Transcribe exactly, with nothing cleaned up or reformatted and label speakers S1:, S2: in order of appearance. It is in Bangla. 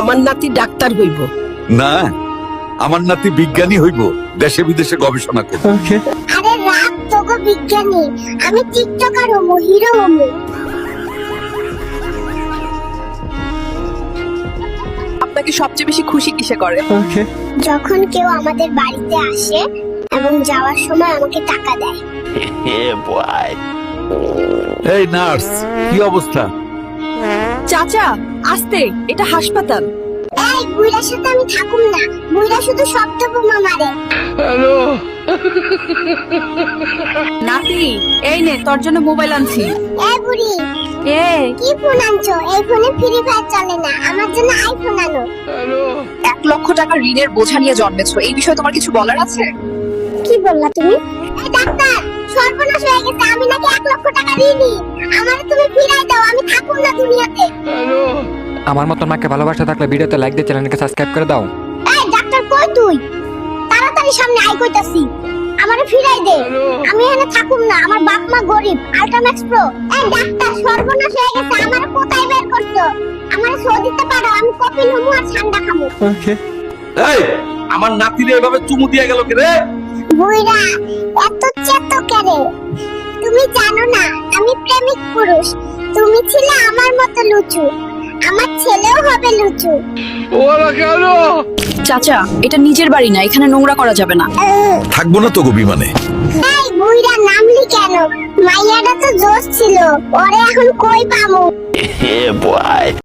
S1: আমার নাতি ডাক্তার হইব।
S2: না, আমার নাতি বিজ্ঞানী হইব, দেশে বিদেশে গবেষণা করব।
S3: আরে রাত তোগো বিজ্ঞানী, আমি টিকটকার হমু, হিরো হমু।
S4: আপনাকে সবচেয়ে বেশি খুশি কিসে করে?
S3: যখন কেউ আমাদের বাড়িতে আসে এবং যাওয়ার সময় আমাকে টাকা দেয়।
S2: এই নার্স, কি অবস্থা?
S4: চাচা আস্তে, এটা হাসপাতাল।
S3: এই বুইড়ার সাথে আমি থাকুম না, বুইড়া শুধু শব্দ বোমা মারে।
S4: নাতি এই নে, তোর জন্য মোবাইল আনছি।
S3: এই বুড়ি,
S4: এ
S3: কি ফোন আনছো? এই ফোনে ফ্রি ফায়ার চলে না, আমার জন্য আইফোন আনো।
S4: এক লক্ষ টাকা ঋণের বোঝা নিয়ে জন্মেছো, এই বিষয়ে তোমার কিছু বলার আছে?
S3: কি বললা তুমি? এই ডাক্তার, সর্বনাশ হয়ে গেছে, আমি নাকি এক লক্ষ টাকা ঋণী। আমারে তুমি ফিরাই দাও, আমি থাকুম না দুনিয়াতে।
S5: আমার মতন মাকে ভালোবাসা থাকলে ভিডিওতে লাইক দিয়ে চ্যানেলকে সাবস্ক্রাইব করে দাও।
S3: এই ডাক্তার, কই তুই? তাড়াতাড়ি সামনে আই কইতাছি, আমারে ফিরাই দে। আমি এখানে থাকুম না, আমার বাপ মা গরিব। আল্ট্রাম্যাক্স প্রো। এই ডাক্তার, সর্বনাশ হয়ে গেছে, আমারে কোথায় বের করছো? আমারে সো দিতে পারো, আমি কপিল হমু আর ঠান্ডা খামু।
S2: এই, আমার নাতিরে এভাবে চুমু দিয়া গেল কে রে?
S3: বুইড়া, এত চেতো কেরে? তুমি জানো না আমি প্রেমিক পুরুষ, তুমি ছিলে আমার মতো লুচু, আমার ছেলেও হবে লুচু।
S4: চাচা এটা নিজের বাড়ি না, এখানে নোংরা করা যাবে না।
S2: থাকবো না তো গো বিমানে।
S3: এই বুইড়া, নামলি কেন? মাইয়াটা তো জোশ ছিল, ওরে এখন কই পামু?